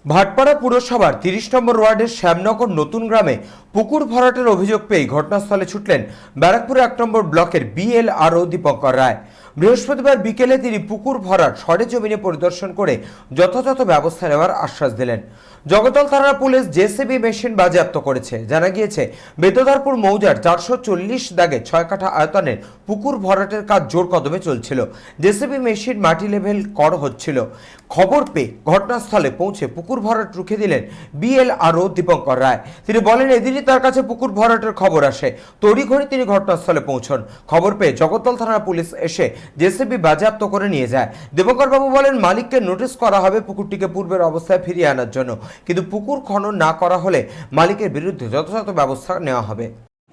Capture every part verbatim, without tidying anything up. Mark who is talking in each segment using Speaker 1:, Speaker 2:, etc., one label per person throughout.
Speaker 1: ভাটপাড়া পুরসভার তিরিশ নম্বর ওয়ার্ডের শ্যামনগর নতুন গ্রামে পুকুর ভরাটের অভিযোগ পেয়ে ঘটনাস্থলে ছুটলেন ব্যারাকপুর এক নম্বর ব্লকের বিএলআরও দীপঙ্কর রায়। বৃহস্পতিবার বিকেলে তিনি পুকুর ভরাট সরেজমিনে পরিদর্শন করে যথাযথ ব্যবস্থা নেওয়ার আশ্বাস দিলেন। জগতল থানার পুলিশ জেসিবি মেশিন বাজেয়াপ্ত করেছে। জানা গিয়েছে, বেতদারপুর মৌজার চারশো চল্লিশ দাগে ছয় কাঠা আয়তনের পুকুর ভরাটের কাজ জোর কদমে চলছিল। জেসিবি মেশিন মাটি লেভেল করা হচ্ছিল। খবর পেয়ে ঘটনাস্থলে পৌঁছে পুকুর ভরাট রুখে দিলেন বিএলআরও দীপঙ্কর রায়। তিনি বলেন, এদিনই তার কাছে পুকুর ভরাটের খবর আসে। তড়িঘড়ি তিনি ঘটনাস্থলে পৌঁছন। খবর পেয়ে জগতল থানার পুলিশ এসে জেসিবি বাজেয়াপ্ত করে নিয়ে যায়। দীপঙ্কর বাবু বলেন, মালিককে নোটিশ করা হবে পুকুরটিকে পূর্বের অবস্থায় ফিরিয়ে আনার জন্য, কিন্তু পুকুর খনন না করা হলে মালিকের বিরুদ্ধে যথাযথ ব্যবস্থা নেওয়া হবে।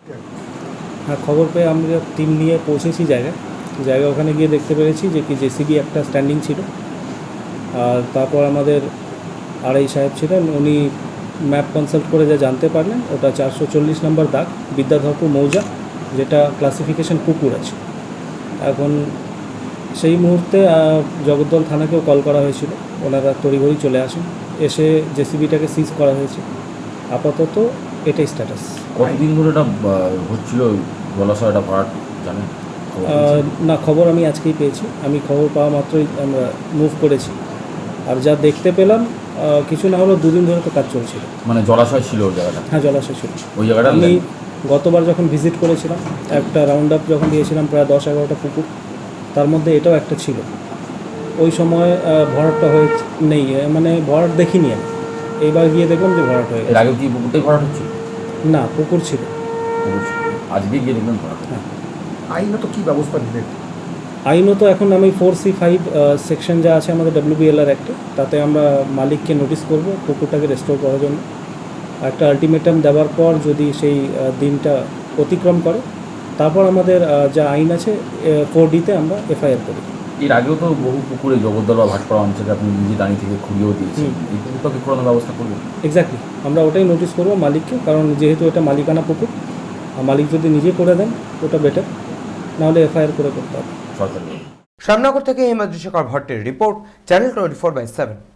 Speaker 2: হ্যাঁ, খবর পেয়ে আমরা টিম নিয়ে পৌঁছেছি জায়গায় জায়গা ওখানে গিয়ে দেখতে পেরেছি যে কি জেসিবি একটা স্ট্যান্ডিং ছিল। আর তারপর আমাদের আড়াই সাহেব ছিলেন, উনি ম্যাপ কনসাল্ট করে যা জানতে পারলেন, ওটা চারশো চল্লিশ নম্বর দাগ বিদ্যাধরপুর মৌজা, যেটা ক্লাসিফিকেশন পুকুর আছে। এখন সেই মুহূর্তে জগদ্দল থানাকেও কল করা হয়েছিল, ওনারা তড়িঘড়ি চলে আসেন, এসে জেসিবিটাকে সিজ করা হয়েছে। আপাতত এটাই স্ট্যাটাস।
Speaker 3: কতদিন ধরে এটা হচ্ছিল জলাশয়টা ভরাট জানেন?
Speaker 2: না, খবর আমি আজকেই পেয়েছি। আমি খবর পাওয়া মাত্রই আমরা মুভ করেছি। আর যা দেখতে পেলাম, কিছু না হলেও দুদিন ধরে তো কাজ চলছিল।
Speaker 3: মানে জলাশয় ছিল ওই জায়গাটা?
Speaker 2: হ্যাঁ, জলাশয় ছিল
Speaker 3: ওই জায়গাটা।
Speaker 2: আমি গতবার যখন ভিজিট করেছিলাম, একটা রাউন্ড আপ যখন দিয়েছিলাম, প্রায় দশ এগারোটা পুকুর, তার মধ্যে এটাও একটা ছিল। ওই সময় ভরাটটা হয়ে নেই, মানে ভরাট দেখিনি আমি। এইবার গিয়ে দেখলাম যে ভরাট হয়ে গেছে।
Speaker 3: এর আগে কি পুকুরটাই ভরাট হচ্ছে?
Speaker 2: না, পুকুর ছিল।
Speaker 3: আজকে গিয়ে দেখলাম ভরাট।
Speaker 2: হ্যাঁ।
Speaker 4: আইনত কী ব্যবস্থা নেবেন?
Speaker 2: আইনত এখন আমি ফোর সি ফাইভ সেকশন যা আছে আমাদের ডব্লিউবিএলআর অ্যাক্টে, তাতে আমরা মালিককে নোটিশ করব পুকুরটাকে রেস্টোর করার জন্য। একটা আলটিমেটাম দেওয়ার পর যদি সেই দিনটা অতিক্রম করে, তারপর আমাদের যা আইন আছে ফোর ডিতে আমরা এফআইআর করি।
Speaker 3: এর আগেও তো বহু পুকুরে জগদ্দল বা ভাটপাড়া অঞ্চলে আপনি নিজে দাঁড়িয়ে থেকে খুঁড়িয়েও দিয়েছেন, এই পুকুরটাকে খোঁড়ানোর ব্যবস্থা করবেন?
Speaker 2: এক্স্যাক্টলি, আমরা ওটাই নোটিশ করবো মালিককে, কারণ যেহেতু এটা মালিকানা পুকুর, মালিক যদি নিজে করে দেন ওটা বেটার, নাহলে এফআইআর করে করতে হবে।
Speaker 3: সরকারি।
Speaker 1: শ্যামনগর থেকে হিমাদ্রি শেখর ভট্টের report, channel twenty four by seven.